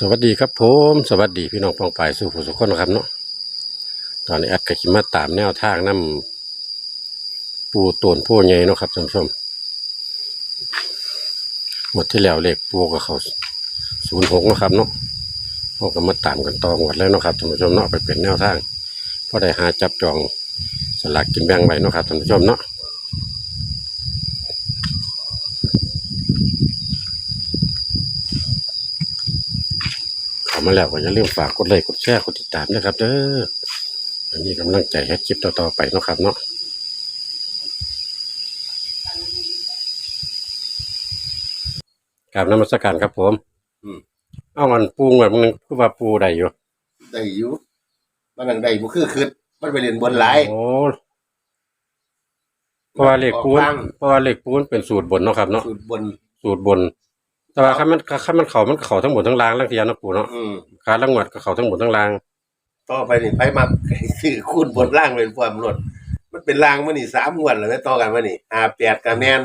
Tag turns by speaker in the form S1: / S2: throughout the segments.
S1: สวัสดีครับผมสวัสดีพี่น้องปองปายสู่ผู้สุขคนนะครับเนาะตอนนี้แอดก็ขิมาตามแนวทางน้ำปูตวนผู้ใหญ่เนาะครับท่านผู้ชมหมดที่แล้วเลขปูกับเขา06นะครับเนาะเราก็มาตามกันต่อหมดแล้วเนาะครับท่านผู้ชมเนาะไปเป็นแนวทางเพราะได้หาจับจองสลากกินแบ่งไว้เนาะครับท่านผู้ชมเนาะมาแล้วก็อย่าลืมฝากกดไลค์กดแชร์กดติดตามนะครับเด้ออันนี้กำลังใจให้คลิปต่อๆไปเนาะครับเนาะกราบนมัสการครับผมเอามันปูเหมือนมึงคือว่าปูได้อยู่
S2: ได้อยู่มันนั่งได้บ่คือมันไปเรียนบนหลาย
S1: โอ้เพราะว่าเลขปูนเป็นสูตรบนเนาะครับเนาะสูตรบนแต่ว่าคันมันเข้าทั้งหมดทั้งล่างแล้วทีเนาะปูเนาะขาละงวดก็เข้าทั้งหมดทั้งล่าง
S2: ต่อไปนี่ไผมักซื้อคูณบนล่างเป็นความรวดมันเป็นล่างมานี่3งวดแล้วต่อกันมานี่58ก็แม่น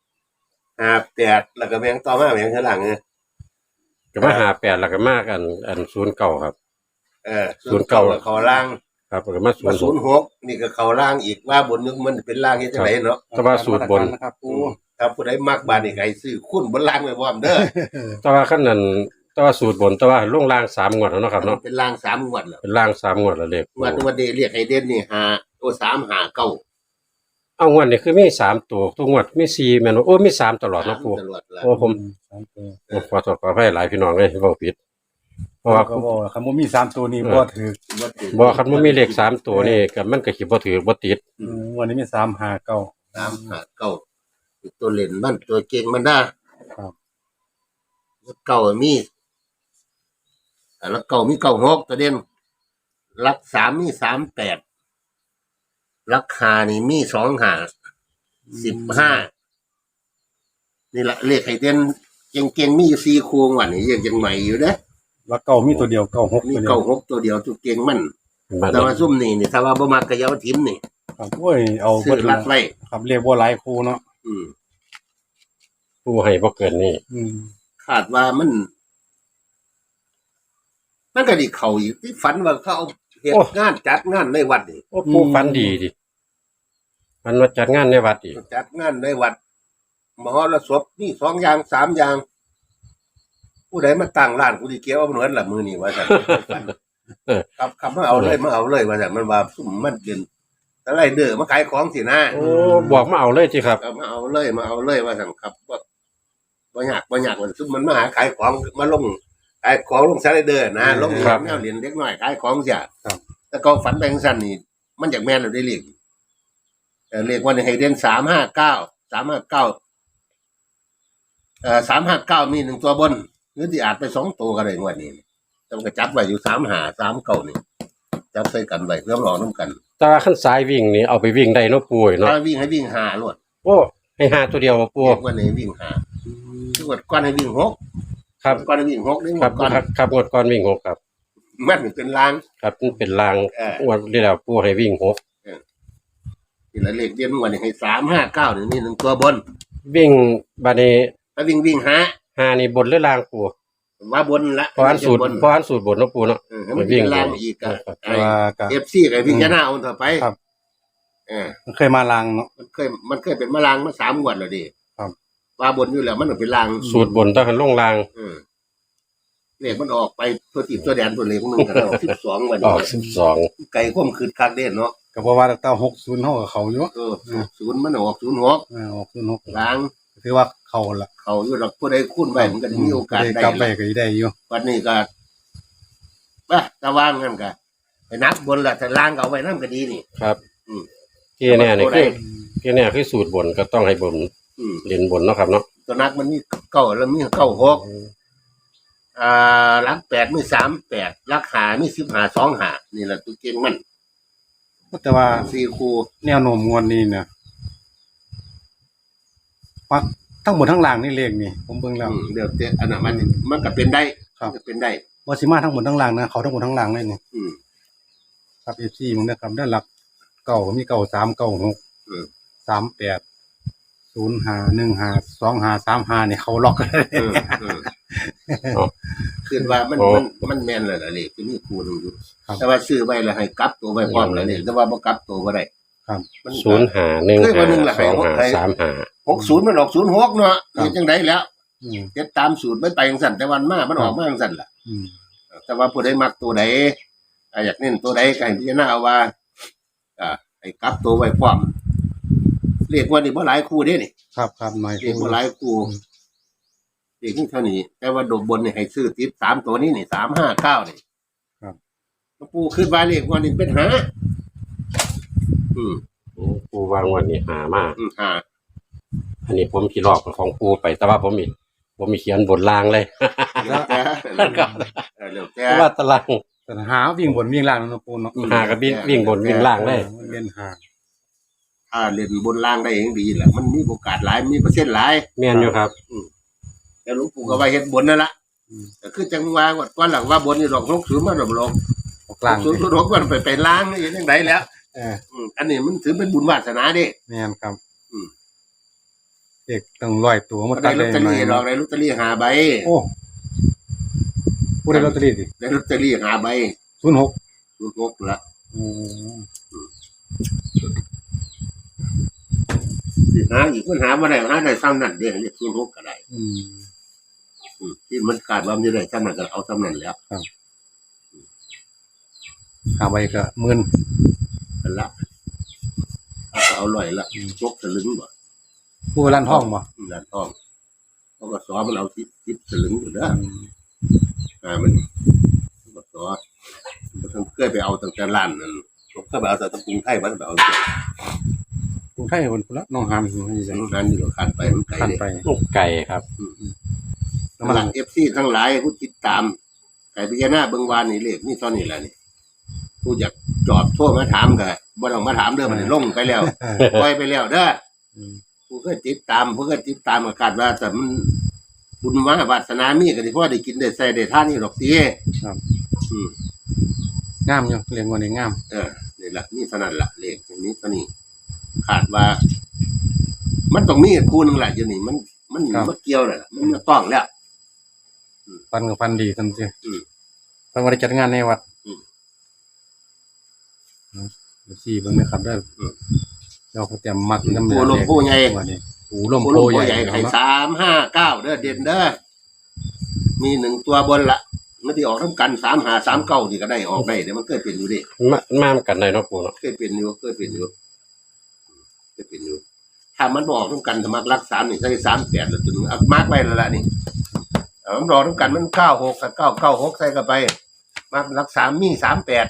S2: 58แล้วก็แม่งต่อมาแม่งข้างหลัง
S1: ก็มา58แล้วก็มาอัน09ครับ
S2: 09ก็เข้าล่าง
S1: ครับก็มา
S2: 06นี่ก็เข้าล่างอีกว่าบนนึงมันเป็นล่างเฮ็ดจังไดเนาะ
S1: แต่ว่าสูตรบน
S2: ครับปูถ้าผู้ใดมักบาดนี่ก็ให้ซื้อคูณบนล่างไว้พร้อมเด้อ
S1: แต่ว่าคันนั้นแต่ว่าสูตรบนแต่ว่าลงล่าง3งวดแล้วเนาะครับเนาะ
S2: เป็นล่าง3งวดแล้ว
S1: เป็นล่าง3งวดแล้วเลข
S2: วันนี้เรียกให้เด่นนี่5ตัว3 5 9
S1: เอางวดนี่คือมี3ตัวทุกงวดมี4แม่นโอ้มี3ตลอดเนาะปูโอ้ผมขอโทษขออภัยหลายพี่น้องเอ้ยเว้าผิดเพราะว่า
S3: ก็บ่คันบ่มี3ตัวนี้บ่ถือ
S1: บ่คันบ่มีเลข3ตัวนี่ก็มันก็สิบ่ถือบ่ติด
S3: วันนี้มี3 5 9
S2: 3 5 9ตัวเล่นมันตัวเก่งมันนะครับเก่ามีแล้วเก่ามี96ตัวเด่นหลัก3มี38หลัก5นี่มี25 15นี่ล่ะเลขให้เด่นเก่งๆมีอยู่4คู่ว่านี่ยังใหม่อยู่เด้อ
S3: แล้วเก่ามีตัวเดียว96
S2: มี96ตัวเดียวตัวเก่งมันแต่ว่าซุ่มนี่ถ้าว่าบ่มักก็อย่าเอาทิ่มนี่
S3: ครับโอ้ยเอา
S2: บ่รัดไว้
S3: ครับเรียกบ่หลายคู่เนาะ
S1: ผู้ให้บ่เกินนี่
S2: คาดว่ามันก็ดิเข้าอยู่ที่ฝันว่าเขาเอาเฮ็ดงานจัดงานในวัดนี่
S1: โอ้ผู้ฝันดีดิมันว่าจัดงานในวัดอีก
S2: จัดงานในวัดมหรสพนี่2อย่าง3อย่างผู้ใดมาตั้งร้านกูสิเกี่ยวเอาเหมือนละมื้อนี้ว่าซั่นครับมาเอาเลยว่าซั่นมันว่าซุ่มมันเป็นอะไรเด้อมาขายของสินะ
S1: โอ้บอกมาเอาเลยสิครับ
S2: มาเอาเลยว่าซั่นครับบ่ยากมันซุ่มมันมาหาขายของมาลงขายของลงสไลเดอร์นะลงแนวเหรียญเล็กน้อยขายของเสียแต่ก็ฝันไปจังซั่นนี่มันอยากแม่นแล้วได้เลขเลขว่าให้เด่น359มี1ตัวบนหรือที่อาจไป2ตัวก็ได้งวดนี้ต้องก็จับไว้อยู่35 39นี่จับใส่กันไว้เพื่อรอนํกัน
S1: แต่ว่าคันสายวิ่งนี่เอาไปวิ่งได้เนาะปู่เนาะ
S2: วิ่งให้วิ่ง5โลด
S1: โอ้ให้5ตัวเดียวปู่
S2: วันนี้วิ่ง5ทุกก่อนให้วิ่ง6
S1: ครับ
S2: ก่อนให้วิ่ง6นี่
S1: ครับงวดก่อนวิ่ง6ครับ
S2: มันเป็นราง
S1: ครับมันเป็นรางงวดที่แล้วปู่ให้วิ่ง6
S2: นี่ละเลขเด่นวันนี้ให้359นี่1ตัวบน
S1: วิ่งบัดนี้
S2: ถ้าวิ่ง
S1: 5นี่บนหรือล่างปู่
S2: ว่าบนละ
S1: เพราะอันสูตรบนเนาะปู่เนาะ
S2: มันวิ่งล่างอีกFC ก็วิ่งยะหน้าเอาต่อไป
S3: ครับมันเคยมาลางเนาะ
S2: มันเคยเป็นมาลางมา3งวดแล้วดิ
S3: ครับ
S2: ว่าบนอยู่แล้วมันเป็นลาง
S1: สูตรบนต้องหันลงลาง
S2: เลขมันออกไปตัวติดตัวแดนตัวเลขนึงก็ได้12วันนี้
S1: ออก12
S2: ไก่ข้มคืนคักเด่นเนาะ
S3: ก็เพราะว่าตั้ง60เฮาก็เข้าอยู่
S2: 0มันออก06
S3: ออก06
S2: ลาง
S3: ถือว่าเข้าละ
S2: เข้าอยู่ดอกผู้ใดคูณไว้มันก็มีโอกาสได้
S3: กลับไปก็ได้อยู่
S2: วันนี้ก็ตะวางนั่นก็ไปนับบนละแต่ล่างก็เอาไว้นำก็ดีนี่
S1: ครับที่แน่นี่คือสูตรบนก็ต้องให้บนเรียนบนเนาะครับเนาะ
S2: ตัวนักมันมี9แล้วมี96หลัก8มี38หลัก5มี15 25นี่แหละตัวเก่งมัน
S3: แต่ว่า
S2: 4คู่
S3: แนวโน้มงวดนี้เนี่ยปักทั้งหมดทั้งล่างนี่เลขนี่ผมเบิ่งแล้ว
S2: เดี๋ยวอันนั้นมันก็เป็นได้
S3: ก็
S2: เป็นได้
S3: บ่สิมาทั้งหมดทั้งล่างนะเขาทั้งหมดทั้งล่างเลยนี่ครับ FC มึงนะครับด้านหลักเก่ามี93 96 38 05 15 25 35นี่เขาล็อกเลย
S2: คือคือว่ามันแม่นแล้วล่ะเลขที่มีครูหนึงอยู่แต่ว่าซื้อไว้แล้วให้กลับตัวไว้พร้อมแล้วนี่แต่ว่าบ่กลับตัวบ่ได้
S3: ครับ
S2: มัน
S1: ศูนย์หาหนึ่ง
S2: เคยว่าหนึ่ง
S1: หา
S2: ล่ะ
S1: สองหา
S2: ให้
S1: สามหา
S2: 60มันออก06เนาะเฮ็ดจังได๋แล้ว
S3: อืม
S2: เฮ็ดตามสูตรมันไปจังซั่นแต่วันมามันออกมาจังซั่นล่ะ
S3: อืม
S2: แต่ว่าผู้ใดมักตัวใดอยากเน้นตัวใดก็ให้พิจารณาเอาว่าให้กลับตัวไว้พร้อมเลขว่านี่บ่หลายคู่เด้นี่
S3: ครับครับหน่อย
S2: เลขบ่หลายคู่เลขนี่เท่านี้แต่ว่าโดดบนนี่ให้ซื้อติด3ตัวนี้นี่359นี่
S3: ครับ
S2: ปู่คิดว่าเลขว่านี่เป็นหา
S1: ปูวางวันนี้หามาก
S2: หา
S1: อันนี้ผมขี่ลอกของปูไปแต่ว่าผมมีเขียนบนล่างเลย
S2: แล้วแต่
S1: ครับ
S2: แล้วแต่
S1: เพราะว่าตาราง
S3: แต่หาวิ่งบนวิ่งล่างนะปูเนาะ
S1: หากับวิ่งบนวิ่งล่างเลย
S3: เล่นหา
S2: ถ้าเล่นบนล่างได้เองดีแหละมันมีโอกาสหลายมีเปอร์เซ็นต์หลาย
S1: แม่นอยู่ครับ
S2: แต่หลวงปู่ก็ว่าเฮ็ดบนนั่นล่ะแต่คือจังว่าก่อนหลังว่าบนนี่ดอก60มาดอกลง
S3: ออกล่าง
S2: 06มันไปล้างนี่จังไดแล้ว อันนี้มันถือเป็นบุญวาสนาเด้
S3: แม่นครับ
S2: อืม
S3: เด็กต้องร้อยตัวมา
S2: ได้
S3: ตัด
S2: ลอตเตอรี่ดอกได้ลอตเตอรี่5ใบ
S3: โอ้ผู้ได้ลอตเตอรี่ดิ
S2: ได้ลอตเตอรี่5ใบ
S3: 06
S2: 06ละ
S3: โอ้
S2: สิหาอีกมันหาบ่ได้หาได้ซ้ำนั่นเด้เรียก06ก็ได้
S3: อืม
S2: ที่มันขาดว่ามันจะได้ซ้ำนั่นก็เอาซ้ำนั่นแล้ว
S3: หาใบก็หมื่น
S2: กันละเอาลอยละจกสลึงบ่
S3: ผู้ร้านห้องบ่
S2: ร้านทองเขาก็สอมันเอา10สลึงอยู่เด้อมันก็สอมันต้องเคยไปเอาตั้งแต่ร้านนั่นเคยไปเอาแต่ตะกรุงไทยมันไปเอา
S3: กรุงไทยคนพุ่นละน้องหามอยู่นี่จัง
S2: งานนี่ก็ขาดไปมันไกล
S3: คัน
S2: เลย
S3: ไป
S1: ลูกไก่ครับ
S2: น้ำหลังFC ทั้งหลายผู้ติดตามไก่พิจารณาเบิ่งวานนี่เลขนี่ตอนนี้แหละนี่ผู้อยากจอบโทรมาถามก็บ่ต้องมาถามเด้อมันลงไปแล้วปล่อยไปแล้วเด้อ
S3: อืม
S2: ผู้เคยติดตามก็คาดว่าแต่มันบุญวาสนามีก็สิพอได้กินได้ใส่ได้ทานนี่ดอกติ
S3: ครับ
S2: อืม
S3: งามอยู่เรียงวันนี้งาม
S2: นี่ล่ะนี่เท่านั้นล่ะเลขอย่างนี้เท่านี้ขาดว่า มันต้องมีคู่หนึงแหละอยู่นี่มันบ่เกี่ยวแล้วล่ะมันต้องแล้ว
S3: ฟันกับฟันดีทันที
S2: อืม
S3: ฟันวันจัดงานในวัด
S2: อืม
S3: สี่เบิ่งนะครับได้เราก็เตรียมมักน้ำ
S2: ผู้ลมผู้ใหญ่
S3: วันนี้ปูลม
S2: ผู้
S3: โพ
S2: ลม
S3: ให
S2: ผู้
S3: ญ่
S2: ใหญ่ให้359เด้อเด่นเด้อมี1ตัวบนละมันสิออกนํกัน3539นี่ก็ได้ออกได้เดี๋ยวมันเคยเป็นอยู่ดิ
S1: มากันได้เนาะปูเนาะ
S2: เคยเป็นอยู่ถ้ามันบอกต้องกันถ้ามักรัก3นี่ใส่38แล้วตัวนึงเอามาร์กไว้แล้วล่ะนี่มันบอกต้องกันมัน96กับ996ใส่เข้าไปมักรัก3มี38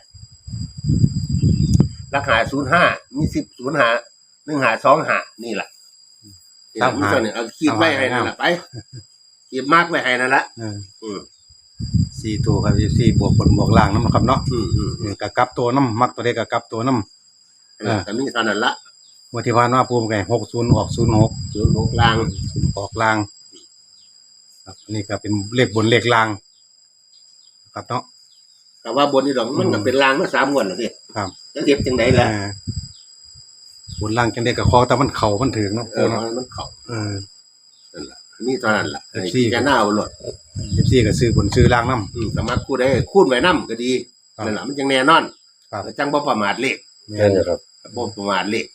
S2: รักหา05มี10 05 1525นี่ล่ะมีส่วนนี้เอาขีดไว้ให้นั่นล่ะไปขีดมาร์กไว้ให้นั่นล่ะ
S3: สี่ตัวครับสี่บวกบนบวกล่างน้ำครับเนาะกับกลับตัวน้ำมักตัวเด็กกับกลับตัวน้ำ
S2: แต่มีเท่านั้นละ
S3: วันที่ผ่านมาปูมไง60ออก06
S2: 06ล่าง
S3: ออกล่างครับนี่ก็เป็นเลขบนเลขล่างครับเนาะ
S2: แต่ว่าบนนี่ดอกมันก็เป็นล่างมา3งวดแล้วสิ
S3: ครับ
S2: จะเก็บจังได๋ล่ะ
S3: บนล่างจังได้กับคอแต่มันเข่ามันถึงเนาะปูเนาะ
S2: มันเข้า นั่นล่ะนี่เท่านั้นล่ะ
S3: แท็กซี่
S2: จะหน้าเอาหลด
S3: 14ก็ซื้อบนซื้อล่างน้
S2: สามารถคูดได้คูดไว้นำก็ดี
S3: ครับ
S2: นั่นล่ะมันจังแน่นอน
S3: ครับ
S2: จังบ่ประมาทเลข
S3: ำ
S1: แม่นอยู่ครับ
S2: บ่ประมาทเลข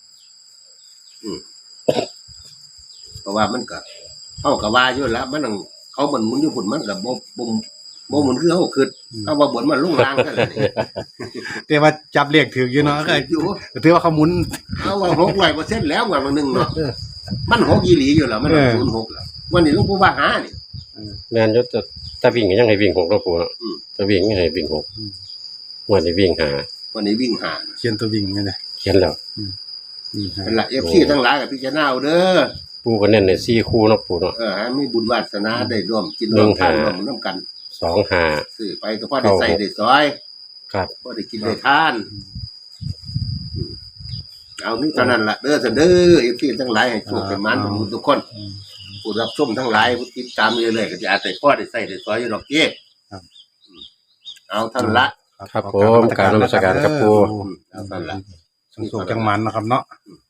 S2: เพราะว่ามันก็เฮาก็ว่าอยู่แล้วมันต้องเขามันหมุนอยู่พุ่นมันก็บ่หมุนคือเฮาคิดเอาว่าบนมันลงล่างซั่นล่ะนี่
S3: แต่ว่าจับเลขถืออยู่เนาะก็
S2: อยู่
S3: ถือว่าเขาหมุน
S2: เอาว่า600%แล้วว่ามันนึงเนาะมัน6อีหลีอยู่แล้วมัน06แล้ววันนี้หลวงปู่ว่าหานี่
S1: แม่นอยู่แต่วิ่งก็ยังให้วิ่ง6เนาะปูเนาะ
S2: อืม
S1: แต่วิ่งยังให้วิ่ง6วันนี้วิ่งหา
S2: วันนี้วิ่งหา
S3: เขียนตัววิ่งไงเนี่ย
S1: เขียนแล้ว
S2: นั่นล่ะ FC ทั้งหลายก็พิจารณาเอาเด้อ
S1: ปูก็เน้นใน4คู่เนาะปูเนาะ
S2: ให้มีบุญวาสนาได้ร่วมกินร่วมทานร่วมน้ำกัน
S1: 2หา
S2: ซื้อไปก็พอได้ใส่ได้ซอย
S1: ครับ
S2: พอได้กินได้ทานเอานี่เท่านั้นล่ะเด้อเด้อเอฟซีทั้งหลายให้โชคให้มันทุกคนผู้รับชมทั้งหลายผู้ติดตามเรื่อยๆก็จะอาจจะพอได้ใส่ได้ซอยอยู่ดอกเกี้เอาเท่านั้นละ
S1: ครับผมการนมัสการครับปู
S2: เอาเท่านั้นละ
S3: สุขจังมันนะครับเนาะ
S2: อืม